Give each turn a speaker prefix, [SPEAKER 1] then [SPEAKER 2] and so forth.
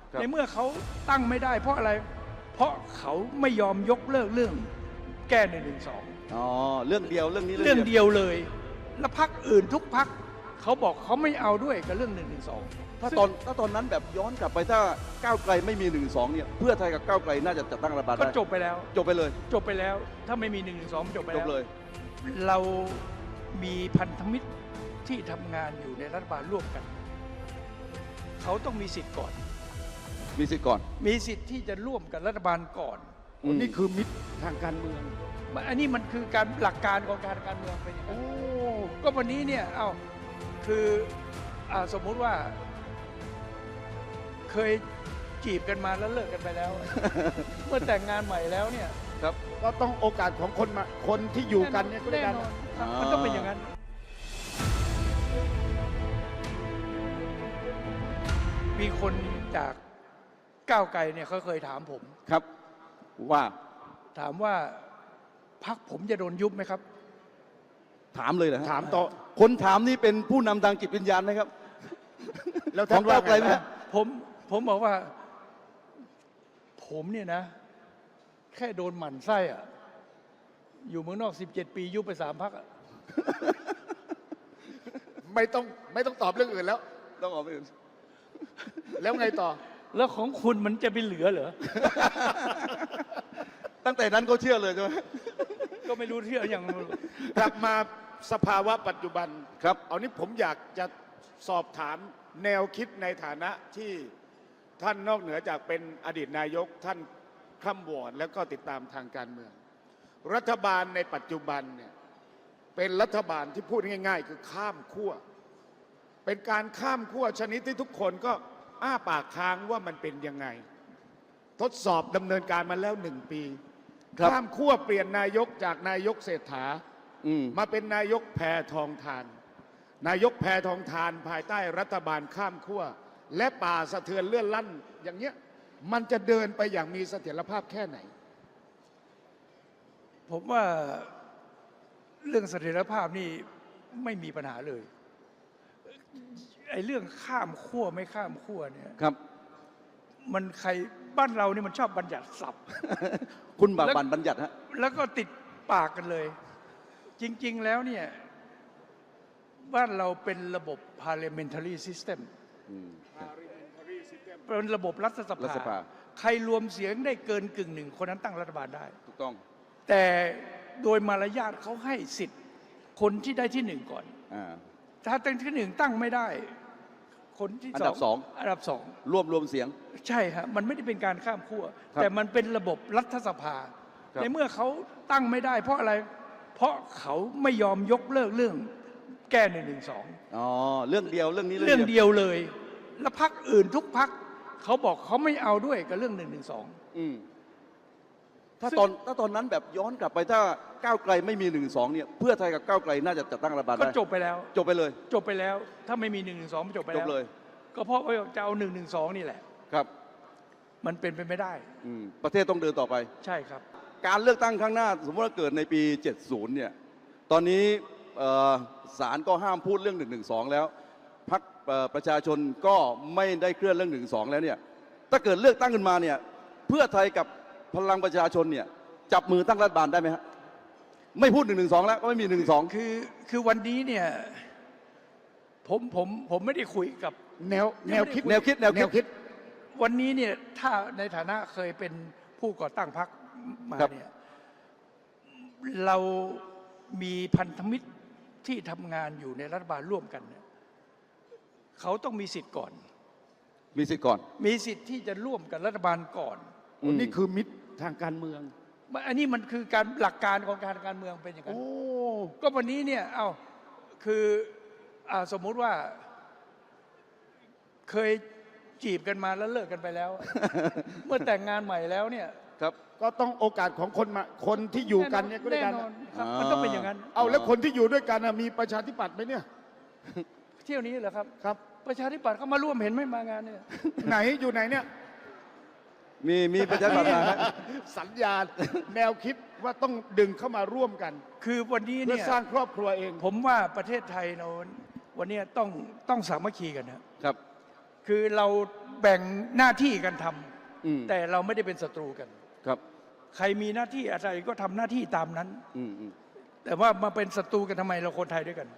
[SPEAKER 1] ในเมื่อเขาตั้งไม่ได้เพราะอะไร เพราะเขาไม่ยอมยกเลิกเรื่องแก้112
[SPEAKER 2] อ๋อเรื่องเดียวเรื่องนี้
[SPEAKER 1] เรื่องเดียวเลย แล้วพรรคอื่นทุกพรรคเขาบอกเขาไม่เอาด้วยกับเรื่อง112
[SPEAKER 2] ถ้าตอนนั้นแบบย้อนกลับไปถ้าก้าวไกลไม่มี112เนี่ยเพื่อไทยกับก้าวไกลน่าจะจัดตั้งรัฐบาลได้
[SPEAKER 1] ก็จบไปแล้ว
[SPEAKER 2] จบไปเลย
[SPEAKER 1] จบไปแล้ว ถ้าไม่มี112จบไป
[SPEAKER 2] จ
[SPEAKER 1] แล้
[SPEAKER 2] บ
[SPEAKER 1] ว
[SPEAKER 2] เลย
[SPEAKER 1] เรามีพันธมิตรที่ทำงานอยู่ในรัฐบาลร่วมกัน เขาต้องมีสิทธิ์ก่อน
[SPEAKER 2] มีสิทธิ์ก่อน
[SPEAKER 1] มีสิทธิ์ที่จะร่วมกับรัฐบาลก่อน
[SPEAKER 3] นี่คือมิตรทางการเมือง
[SPEAKER 1] อันนี้มันคือการหลักการของการเมืองเป็นอย่างนั้นก็วันนี้เนี่ยคือสมมุติว่า เคยจีบกันมาแล้วเลิกกันไปแล้ว เมื่อแต่งงานใหม่แล้วเนี่ย
[SPEAKER 2] ครับ
[SPEAKER 3] ก็ต้องโอกาสของคนที่อยู่กันเนี่ยก็ได้
[SPEAKER 1] แน่
[SPEAKER 3] กัน
[SPEAKER 1] นอนครับมันต้องเป็นอย่างนั้น มีคนจากก้าวไกลเนี่ยเขาเคยถามผม
[SPEAKER 2] ครับว่า
[SPEAKER 1] ถามว่าพรรคผมจะโดนยุบไหมครับ
[SPEAKER 2] ถามเลยเหรอ
[SPEAKER 3] ถามต่อ
[SPEAKER 2] คนถามนี่เป็นผู้นำทางจิตวิญญาณไหมครับ
[SPEAKER 3] แล้ว
[SPEAKER 2] ข
[SPEAKER 3] ท่า
[SPEAKER 2] อน ง
[SPEAKER 3] ว่า
[SPEAKER 2] ก้าวไกล
[SPEAKER 3] ไง
[SPEAKER 2] ไหม
[SPEAKER 3] นะ
[SPEAKER 2] ฮะ
[SPEAKER 1] ผมบอกว่า ผมเนี่ยนะ แค่โดนหมั่นไส้อะอยู่เมืองนอก17 ปียุบไป3 พรรคอะ
[SPEAKER 3] ไม่ต้องตอบเรื่องอื่นแล้ว
[SPEAKER 2] ต้องออกไปอื่น
[SPEAKER 3] แล้วไงต่อ
[SPEAKER 1] แล้วของคุณมันจะไปเหลือเหรอ
[SPEAKER 2] ตั้งแต่นั้นก็เชื่อเลยใช่ไหม
[SPEAKER 1] ก็ไม่รู้เที่ยวอย่าง
[SPEAKER 3] กลับมาสภาวะปัจจุบัน
[SPEAKER 2] ครับ
[SPEAKER 3] เอานี้ผมอยากจะสอบถามแนวคิดในฐานะที่ท่านนอกเหนือจากเป็นอดีตนายกท่านคร่ำวอดแล้วก็ติดตามทางการเมือง รัฐบาลในปัจจุบันเนี่ยเป็นรัฐบาลที่พูดง่ายๆ คือข้ามขั้วเป็นการข้ามขั้วชนิดที่ทุกคนก็อ้าปากค้างว่ามันเป็นยังไง ทดสอบดำเนินการมาแล้ว1 ปี
[SPEAKER 2] ครับ
[SPEAKER 3] ข้ามขั้วเปลี่ยนนายกจากนายกเศรษฐา
[SPEAKER 2] ม
[SPEAKER 3] มาเป็นนายกแพทองทาน นายกแพทองทานภายใต้รัฐบาลข้ามขั้วและป่าสะเทือนเลื่อนลั่นอย่างเงี้ยมันจะเดินไปอย่างมีเสถียรภาพแค่ไหน
[SPEAKER 1] ผมว่าเรื่องเสถียรภาพนี่ไม่มีปัญหาเลยไอ้เรื่องข้ามขั้วไม่ข้ามขั้วเนี่ย
[SPEAKER 2] ครับ
[SPEAKER 1] มันใครบ้านเรานี่มันชอบบัญญัติศัพท์
[SPEAKER 2] คุณบากบันบัญญัติฮะ
[SPEAKER 1] แล้วก็ติดปากกันเลย จริง ๆ แล้วเนี่ยบ้านเราเป็นระบบ parliamentary system เป็นระบบรัฐส
[SPEAKER 2] รัฐส
[SPEAKER 1] ภา
[SPEAKER 2] ภา
[SPEAKER 1] ใครรวมเสียงได้เกิน1/1คนนั้นตั้งรัฐบาลได้
[SPEAKER 2] ถูกต้อง
[SPEAKER 1] แต่โดยมารยาทเขาให้สิทธิ์คนที่ได้ที่ 1ก่อน
[SPEAKER 2] อ่า
[SPEAKER 1] ถ้าตั้งที่ 1ตั้งไม่ได้ คนที่
[SPEAKER 2] อันดับสอง
[SPEAKER 1] อันดับสอง
[SPEAKER 2] รวมเสียง
[SPEAKER 1] ใช่ฮะมันไม่ได้เป็นการข้ามขั้ว
[SPEAKER 2] ครับ
[SPEAKER 1] แต่มันเป็นระบบรัฐสภา
[SPEAKER 2] ครับ
[SPEAKER 1] ในเมื่อเขาตั้งไม่ได้ เพราะอะไร เพราะเขาไม่ยอมยกเลิกเรื่องแก้112
[SPEAKER 2] อ๋อเรื่องเดียวเรื่องนี้
[SPEAKER 1] เรื่องเดียวเลย แล้วพรรคอื่นทุกพรรคเขาบอกเขาไม่เอาด้วยกับเรื่อง112
[SPEAKER 2] อืมถ้าตอนนั้นแบบย้อนกลับไปถ้าก้าวไกลไม่มี112เนี่ยเพื่อไทยกับก้าวไกลน่าจะจัดตั้งรัฐบาล
[SPEAKER 1] ก็
[SPEAKER 2] ได้
[SPEAKER 1] จบไปแล้ว
[SPEAKER 2] จบไปเลย
[SPEAKER 1] จบไปแล้ว ถ้าไม่มี112มันจบไป
[SPEAKER 2] จ
[SPEAKER 1] แล้
[SPEAKER 2] บ
[SPEAKER 1] ว
[SPEAKER 2] เลย
[SPEAKER 1] ก็เพราะว่าจะเอา112นี่แหละ
[SPEAKER 2] ครับ
[SPEAKER 1] มันเป็นไปไม่ได้
[SPEAKER 2] ประเทศต้องเดินต่อไป
[SPEAKER 1] ใช่ครับ
[SPEAKER 2] การเลือกตั้งครั้งหน้า สมมติว่าเกิดในปี 70 เนี่ย ตอนนี้ศาลก็ห้ามพูดเรื่อง112แล้วพรรคประชาชนก็ไม่ได้เคลื่อนเรื่อง112แล้วเนี่ย ถ้าเกิดเลือกตั้งขึ้นมาเนี่ย เพื่อไทยกับพลังประชาชนเนี่ย จับมือตั้งรัฐบาลได้ไหมฮะ ไม่พูด112แล้วก็ไม่มี112
[SPEAKER 1] คือวันนี้เนี่ยผมไม่ได้คุยกับ
[SPEAKER 3] แนวคิด
[SPEAKER 2] แนวคิด
[SPEAKER 1] วันนี้เนี่ยถ้าในฐานะเคยเป็นผู้ก่อตั้งพรรคมา
[SPEAKER 2] ครับ
[SPEAKER 1] เนี่ยเรามีพันธมิตรที่ทำงานอยู่ในรัฐบาลร่วมกันเนี่ยเขาต้องมีสิทธิ์ก่อน
[SPEAKER 2] มีสิทธิ์ก่อน
[SPEAKER 1] มีสิทธิ์ที่จะร่วมกับรัฐบาลก่อน
[SPEAKER 3] นี่คือมิตรทางการเมือง
[SPEAKER 1] อันนี้มันคือการหลักการของการเมืองเป็นอย่างนั้น
[SPEAKER 3] โอ้
[SPEAKER 1] ก็วันนี้เนี่ยคือสมมุติว่า เคยจีบกันมาแล้วเลิกกันไปแล้ว เมื่อแต่งงานใหม่แล้วเนี่ย
[SPEAKER 2] ครับ
[SPEAKER 3] ก็ต้องโอกาสของคนที่อยู่กันเนี่ยก็ได้
[SPEAKER 1] แน่
[SPEAKER 3] กัน
[SPEAKER 1] นอนครับมันต้องเป็นอย่างนั้น
[SPEAKER 3] เอาแล้วคนที่อยู่ด้วยกันน่ะมีประชาธิปัตย์ไหมเนี่ย
[SPEAKER 1] เที่ยวนี้เหรอครับ
[SPEAKER 3] ครับ
[SPEAKER 1] ประชาธิปัตย์เขามาร่วมเห็นไหม่มางานเนี่ย
[SPEAKER 3] ไหนอยู่ไหนเนี่ย
[SPEAKER 2] มีประชาธิปัตย์นะ
[SPEAKER 3] สัญญาณแนวคิดว่าต้องดึงเข้ามาร่วมกัน
[SPEAKER 1] คือวันนี้
[SPEAKER 3] เพื่อ
[SPEAKER 1] เนี่ย
[SPEAKER 3] สร้างครอบครัวเอง
[SPEAKER 1] ผมว่าประเทศไทยเราวันนี้ต้องสามัคคีกันนะครับคือเราแบ่งหน้าที่กันทำ
[SPEAKER 2] อืม
[SPEAKER 1] แต่เราไม่ได้เป็นศัตรูกัน
[SPEAKER 2] ครับ
[SPEAKER 1] ใครมีหน้าที่อะไรก็ทำหน้าที่ตามนั้น
[SPEAKER 2] อืม
[SPEAKER 1] แต่ว่ามาเป็นศัตรูกันทำไมเราคนไทยด้วยกัน